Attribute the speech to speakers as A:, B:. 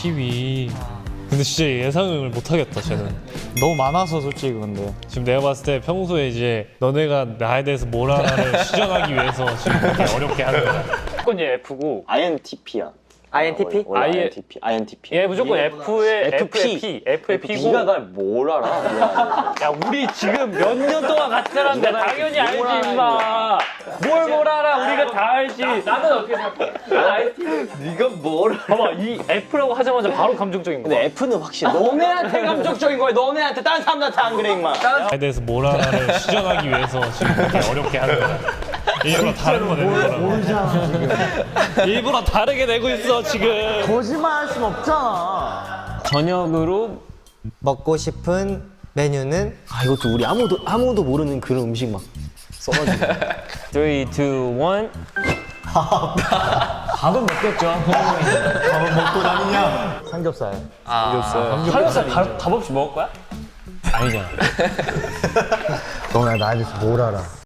A: 12. 근데 진짜 예상을 못하겠다 쟤는.
B: 너무 많아서 솔직히 근데.
A: 지금 내가 봤을 때 평소에 이제 너네가 나에 대해서 뭘 하나를 시전하기 위해서 지금 그렇게 어렵게 하는 거야.
C: 무조건 얘 F고
D: INTP야.
E: INTP?
D: INTP. INTP.
C: 얘 무조건 F의
D: FP.
C: F의 P고.
D: 네가 날 뭘 알아?
C: 야 우리 지금 몇 년 동안 같이 살았는데 당연히 알지 임마. 뭘 알아 우리가 다 알지. 나는 어떻게 생각해? 난 INTP.
D: 네가 뭘 알아?
C: 봐봐 이 F라고 하자마자 바로 감정적인 거야.
D: 근데 F는 확실해. 너네한테 감정적인 거야. 너네한테 다른 사람들한테 안 그래 임마.
A: 나에 대해서 뭘 하나를 시전하기 위해서 지금 그렇게 어렵게 하는 거야. 일부러 다른 거 내는 거라고. 일부러 다르게 내고 있어 지금.
B: 거짓말 할 순 없잖아.
E: 저녁으로
F: 먹고 싶은 메뉴는
E: 아 이것도 우리 아무도 모르는 그런 음식 막 써가지고 3, 2, 1 밥은 먹겠죠.
B: 삼겹살.
C: 삼겹살 밥 없이 먹을 거야?
B: 너나 나에 대해서 뭘 알아?